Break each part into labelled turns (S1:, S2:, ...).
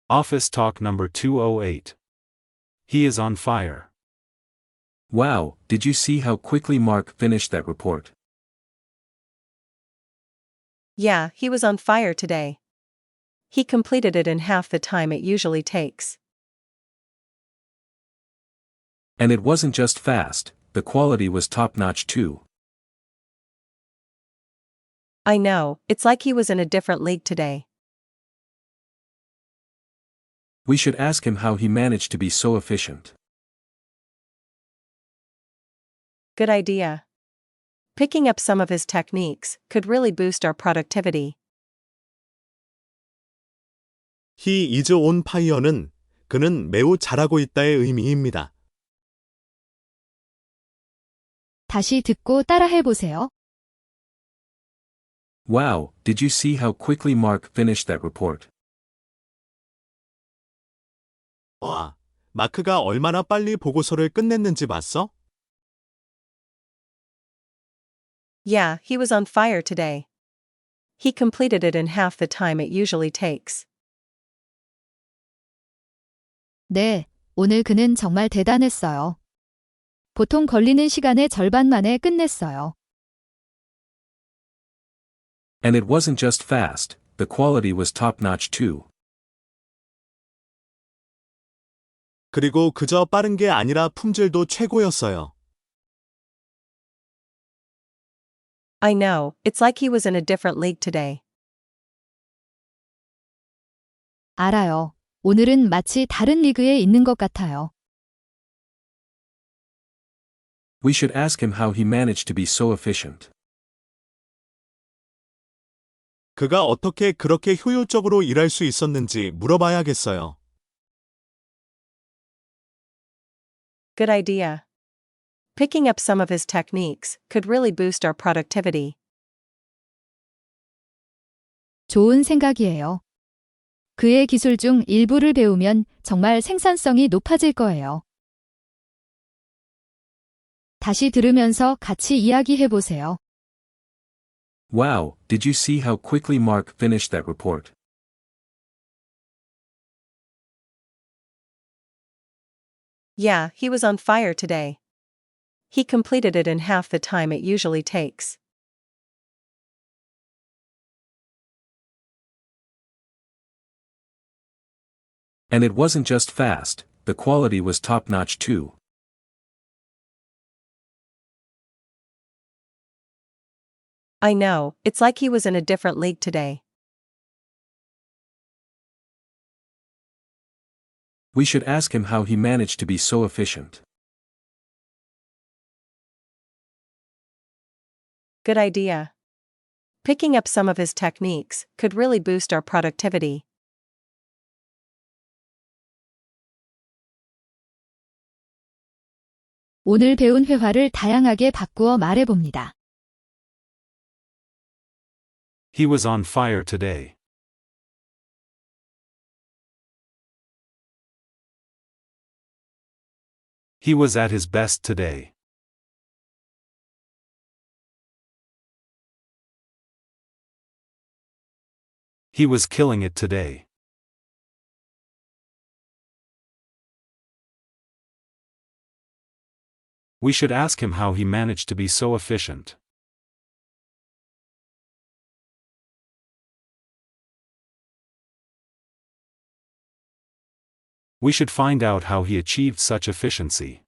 S1: Office Talk number 208. He is on fire.
S2: Wow, did you see how quickly Mark finished that report?
S3: Yeah, he was on fire today. He completed it in half the time it usually takes.
S2: And it wasn't just fast, the quality was top-notch too.
S3: I know, it's like he was in a different league today.
S2: We should ask him how he managed to be so efficient.
S3: Good idea. Picking up some of his techniques could really boost our productivity.
S4: He is on fire는 그는 매우 잘하고 있다의 의미입니다.
S5: 다시 듣고 따라해보세요.
S2: Wow, did you see how quickly Mark finished that report?
S4: 와, 마크가 얼마나 빨리 보고서를 끝냈는지 봤어?
S3: Yeah, he was on fire today. He completed it in half the time it usually takes.
S5: 네, 오늘 그는 정말 대단했어요. 보통 걸리는 시간의 절반 만에 끝냈어요.
S2: And it wasn't just fast, the quality was top-notch too.
S4: 그리고 그저 빠른 게 아니라 품질도 최고였어요.
S3: I know, it's like he was in a different league today.
S5: 알아요. 오늘은 마치 다른 리그에 있는 것 같아요.
S2: We should ask him how he managed to be so efficient.
S4: 그가 어떻게 그렇게 효율적으로 일할 수 있었는지 물어봐야겠어요.
S3: Good idea. Picking up some of his techniques could really boost our productivity.
S5: 좋은 생각이에요. 그의 기술 중 일부를 배우면 정말 생산성이 높아질 거예요. 다시 들으면서 같이 이야기해보세요.
S2: Wow, did you see how quickly Mark finished that report?
S3: Yeah, he was on fire today. He completed it in half the time it usually takes.
S2: And it wasn't just fast, the quality was top-notch too.
S3: I know, it's like he was in a different league today.
S2: We should ask him how he managed to be so efficient.
S3: Good idea. Picking up some of his techniques could really boost our productivity.
S5: 오늘 배운 회화를 다양하게 바꾸어 말해봅니다.
S1: He was on fire today. He was at his best today. He was killing it today. We should ask him how he managed to be so efficient. We should find out how he achieved such efficiency.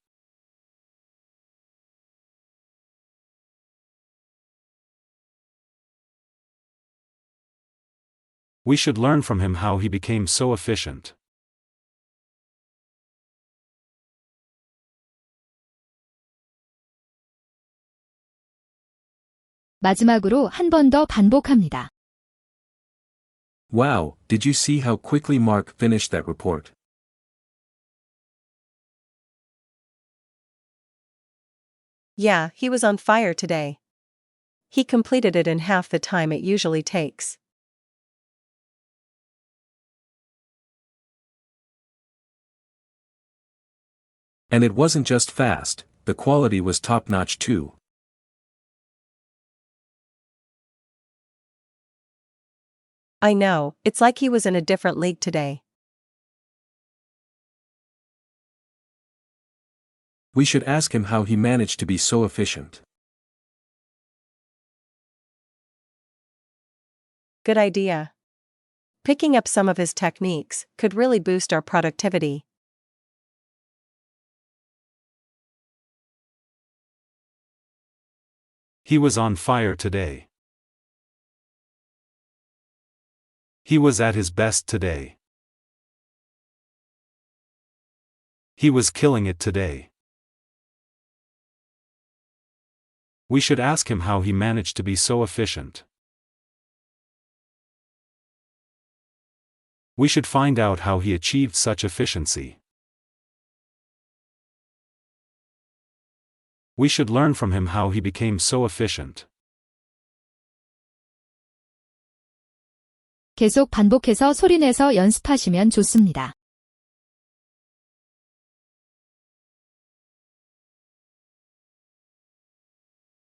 S1: We should learn from him how he became so efficient.
S5: 마지막으로 한 번 더 반복합니다.
S2: Wow, did you see how quickly Mark finished that report?
S3: Yeah, he was on fire today. He completed it in half the time it usually takes.
S2: And it wasn't just fast, the quality was top-notch too.
S3: I know, it's like he was in a different league today.
S2: We should ask him how he managed to be so efficient.
S3: Good idea. Picking up some of his techniques could really boost our productivity.
S1: He was on fire today. He was at his best today. He was killing it today. We should ask him how he managed to be so efficient. We should find out how he achieved such efficiency. We should learn from him how he became so efficient.
S5: 계속 반복해서 소리내서 연습하시면 좋습니다.